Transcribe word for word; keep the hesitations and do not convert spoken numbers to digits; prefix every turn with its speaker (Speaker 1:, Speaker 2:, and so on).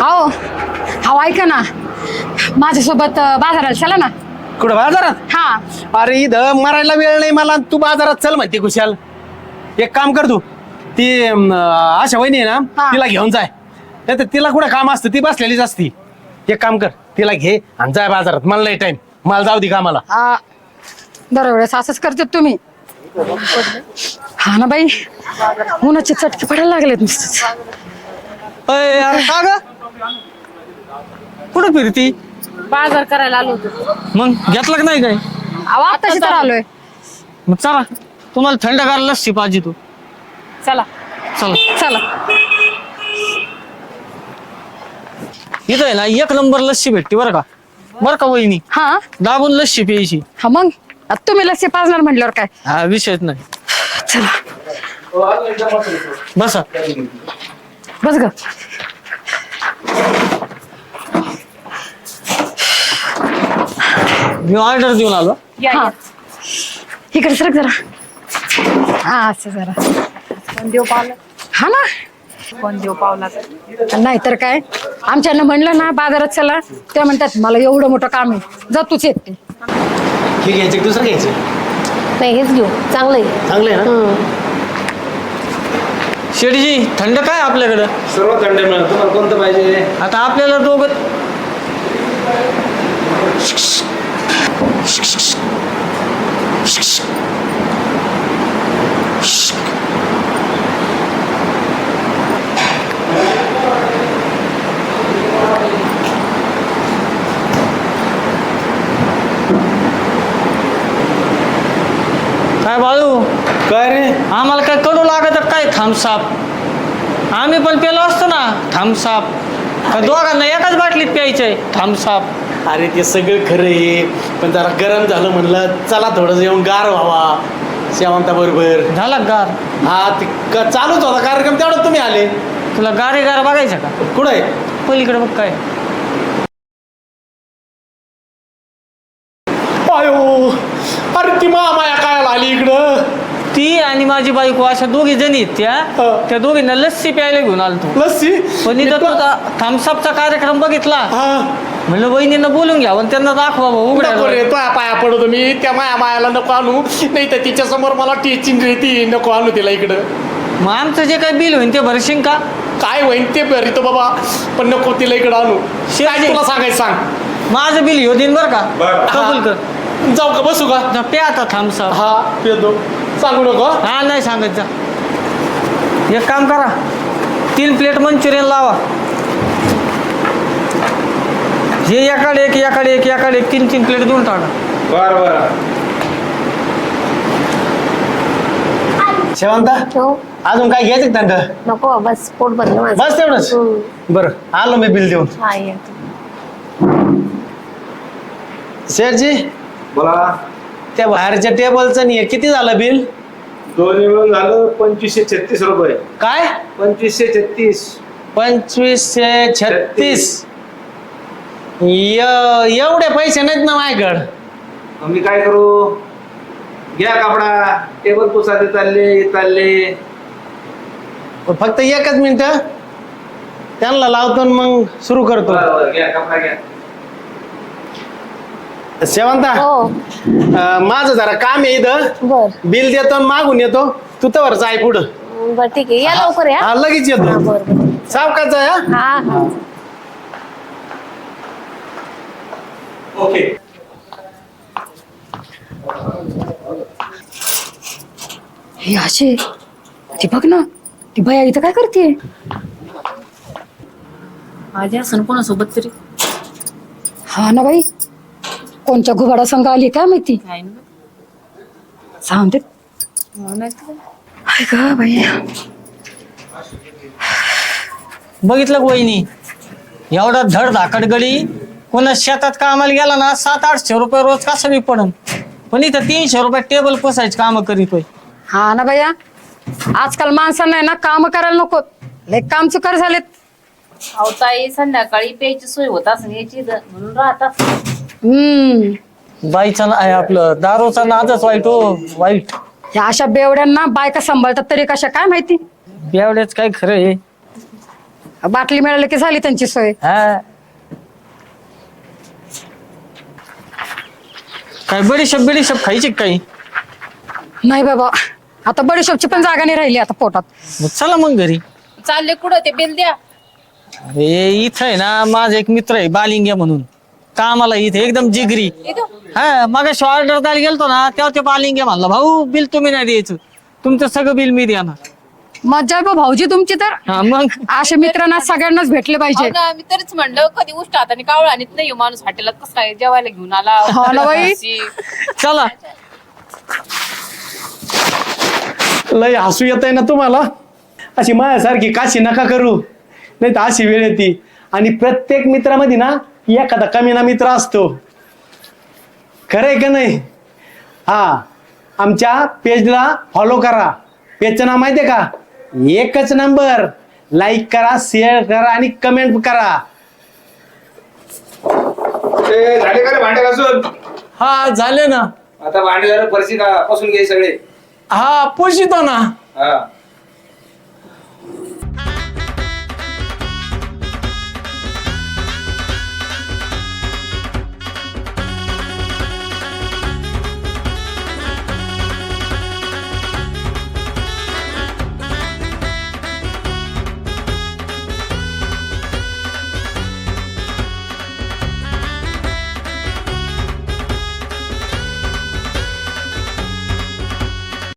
Speaker 1: हो हो ऐका ना माझ्यासोबत बाजाराला चला ना.
Speaker 2: कुठं बाजारात?
Speaker 1: हा
Speaker 2: अरे इथं मरायला वेळ नाही मला, तू बाजारात चल म्हणते कुशाल. एक काम कर तू, ती अं, आशा वहिनी आहे ना,
Speaker 1: हा.
Speaker 2: तिला घेऊन जाय. नाही तर तिला कुठं काम असतं, ती बसलेलीच असती. एक काम कर, तिला घे आणि जाय बाजारात. मला नाही टाइम, मला जाऊ दे कामाला.
Speaker 1: आ, दरवेळेस असंच करते तुम्ही. हा ना बाई, उन्हाचे चटके पडायला लागलेत नुसतंच.
Speaker 2: अय, अरे का ग कुठं फिरती?
Speaker 3: बाजार करायला आलो होतो.
Speaker 2: मग घेतलं का नाही काय?
Speaker 1: अहो आत्ताशी तर आलोय.
Speaker 2: मग चला, तुम्हाला थंडगार लस्सी पाहिजे. तू
Speaker 3: चला
Speaker 2: चला.
Speaker 1: चला
Speaker 2: इथं आहे ना एक नंबर लस्सी भेटते बरं का. बरं का वहिनी,
Speaker 1: हा
Speaker 2: दाबून लस्सी प्यायची.
Speaker 1: हा मग आता तुम्ही लस्सी पाजणार म्हटल्यावर काय.
Speaker 2: हा विषयच नाही.
Speaker 1: चला
Speaker 2: बसा.
Speaker 1: बस ग.
Speaker 2: मी ऑर्डर देऊन आलो.
Speaker 3: या
Speaker 1: हा
Speaker 3: या.
Speaker 1: इकडे सरक जरा. हा असं जरा.
Speaker 3: कोण देव पावला
Speaker 1: हा ना,
Speaker 3: कोण देव पावला तर
Speaker 1: नाहीतर काय. आमच्यानं म्हणलं ना बाजारात चला, ते म्हणतात मला एवढं मोठं काम आहे, जा तूच येते.
Speaker 2: हे घ्यायचं की दुसरं घ्यायचं?
Speaker 3: नाही हेच घेऊ, चांगलं आहे.
Speaker 2: चांगलं आहे ना. शेठजी थंड काय आपल्याकडं?
Speaker 4: सर्व थंड मिळेल. तुम्हाला कोणतं पाहिजे?
Speaker 2: आता आपल्याला दोघं काय बाळू,
Speaker 4: काय रे?
Speaker 2: आम्हाला काय कडू लागत काय थांबसाप? आम्ही पण पेलो असतो ना थांबसाप. दोघांना एकाच बाटलीत प्यायचंय थांबसाप.
Speaker 4: अरे ते सगळं खरं आहे, पण जरा गरम झालं म्हणलं चला थोडंसं येऊन गार व्हावा शेवंता बरोबर.
Speaker 2: झाला गार?
Speaker 4: हा ते क- चालूच होता कार्यक्रम, तेवढं तुम्ही आले.
Speaker 2: तुला गारे गार बघायचं का?
Speaker 4: कुठं आहे?
Speaker 2: पलीकडे बघ काय.
Speaker 4: अयो, अरे ती मामाया काय आली इकडं?
Speaker 2: ती आणि माझी बायको अशा दोघी जणी आहेत त्या.
Speaker 4: हा.
Speaker 2: त्या दोघींना लस्सी प्यायला घेऊन आलतो.
Speaker 4: लस्सी?
Speaker 2: पण इथं तुझा थम्सअपचा कार्यक्रम बघितला.
Speaker 4: हा
Speaker 2: म्हणलं वहिनींना बोलून घ्या आणि त्यांना दाखवा उघड्या.
Speaker 4: नको रे, पाया पाया पडतो मी. त्या माया मायाला नको आणू, नाही तर तिच्या समोर मला टीचिंग रे, ती नको आणू तिला इकडं.
Speaker 2: मग आमचं जे काही बिल होईल ते भरशील का?
Speaker 4: काय होईन ते भरितो बाबा, पण नको तिला इकडं आणू. काय तुला सांगायचं सांग.
Speaker 2: माझं बिल ह्यो दिन बरं का. कबूल कर.
Speaker 4: हा. जाऊ का, बसू का?
Speaker 2: जा, प्या आता थम्सअप.
Speaker 4: हा येतो, सांगू नको.
Speaker 2: हा नाही सांगत जा. एक काम करा, तीन प्लेट मंचुरियन लावा. हे एकाडे एक एकाडे एक एकाडे एक तीन तीन प्लेट देऊन टाका.
Speaker 4: बर बर. शेवंता,
Speaker 3: हो
Speaker 4: अजून काय घ्यायचं थंड?
Speaker 3: नको, बस पोट भरलं माझं.
Speaker 4: बस तेवढंच.
Speaker 3: हम्म.
Speaker 4: बरं, आलो मी बिल देऊन.
Speaker 3: हा ये.
Speaker 4: शेठजी,
Speaker 5: बोला.
Speaker 4: त्या बाहेरच्या टेबलचं नाही किती झालं बिल?
Speaker 5: दोन्ही मिळून झालं पंचवीसशे छत्तीस रुपये.
Speaker 4: काय?
Speaker 5: पंचवीसशे छत्तीस.
Speaker 4: पंचवीसशे छत्तीस. य- एवढे पैसे नाहीत ना माझ्याकडं.
Speaker 5: मग मी काय करू? घ्या कापडा, टेबल पुसाचे चालले चालले.
Speaker 4: फक्त एकच मिनिट, त्यांना लावतो आणि मग सुरू करतो.
Speaker 5: बरं बरं, घ्या कापडा घ्या.
Speaker 4: शेवंता,
Speaker 3: हो
Speaker 4: अं, माझं जरा काम आहे इथं.
Speaker 3: बर
Speaker 4: बिल देतो आणि मागून येतो. तू तर जाय पुढं.
Speaker 3: बर ठीक आहे, या लवकर या.
Speaker 4: हा लगेच
Speaker 3: हा
Speaker 4: येतो.
Speaker 3: बर बर.
Speaker 4: सावकाश जाय. हा?
Speaker 3: हा हा.
Speaker 5: ओके.
Speaker 1: हे असे ती बघ ना, ती भया इथं काय करते.
Speaker 3: माझ्या असं कोणासोबत तरी
Speaker 1: हा ना बाई, कोणच्या घुबाडा संघ आली काय माहिती.
Speaker 3: काय ना.
Speaker 1: सांगते
Speaker 3: हो नाही तर.
Speaker 1: हाय का बाई.
Speaker 2: बघितलं का वहिनी, एवढा धड धाकड गडी कोणा शेतात कामाला गेला ना सात आठशे रुपये रोज कसं बी पडन, पण इथं तीनशे रुपये टेबल पुसायची कामं करीतोय.
Speaker 1: हा ना भैया, आजकाल माणसांना आहे ना काम करायला नको, लय काम चुकार झालेत.
Speaker 3: अहो ताई, संध्याकाळी प्यायची सोय होत असं याची म्हणून राहतात.
Speaker 1: हम्म
Speaker 2: बाईचा ना आहे आपलं दारूचा नादच वाईट हो, वाईट.
Speaker 1: या अशा बेवड्यांना बायका सांभाळतात तरी कशा काय माहिती.
Speaker 2: बेवड्याच काय खरं आहे.
Speaker 1: बाटली मिळाली की झाली त्यांची सोय.
Speaker 2: हा काय बडीशेप बिडीशेप खायची का काही?
Speaker 1: नाही बाबा, आता बडीशोपची पण जागा नाही राहिली आता पोटात.
Speaker 2: मग चला मग घरी.
Speaker 3: चालले कुठं ते बिल द्या.
Speaker 2: अरे इथं आहे ना माझा एक मित्र आहे बालिंग्या म्हणून, कामाला इथे एकदम जिगरी.
Speaker 3: इथं
Speaker 2: हा मग ऑर्डर द्यायला गेलतो ना तेव्हा ते बालिंग्या म्हणला, भाऊ बिल तुम्ही नाही द्यायचं, तुमचं सगळं बिल मी देणार.
Speaker 1: मज्जा आहे बा भाऊजी तुमची तर.
Speaker 2: हा मग
Speaker 1: असे मित्रांना सगळ्यांनाच भेटले पाहिजे.
Speaker 3: हो ना, मी तरीच म्हणलं कधी उष्ट हाताने कावळ आणत नाही माणूस हॉटेलात कसं काय जेवायला घेऊन आला.
Speaker 1: हो ना बाई.
Speaker 2: चला.
Speaker 4: लय हसू येत आहे ना तुम्हाला. अशी माझ्यासारखी काशी नका करू, नाही तर अशी वेळ येते. आणि प्रत्येक मित्रामध्ये ना एखादा कमीना मित्र असतो, खरंय का नाही? हा, आमच्या पेजला फॉलो करा. पेजचं नाव माहितीये का? एकच नंबर. लाईक करा, शेअर करा आणि कमेंट करा.
Speaker 5: ए, झाले का रे भांडे घासून?
Speaker 4: हा झाले ना.
Speaker 5: आता भांडे झालं, फरशी का पासून घे सगळे.
Speaker 4: हा पोषितो ना.
Speaker 5: हा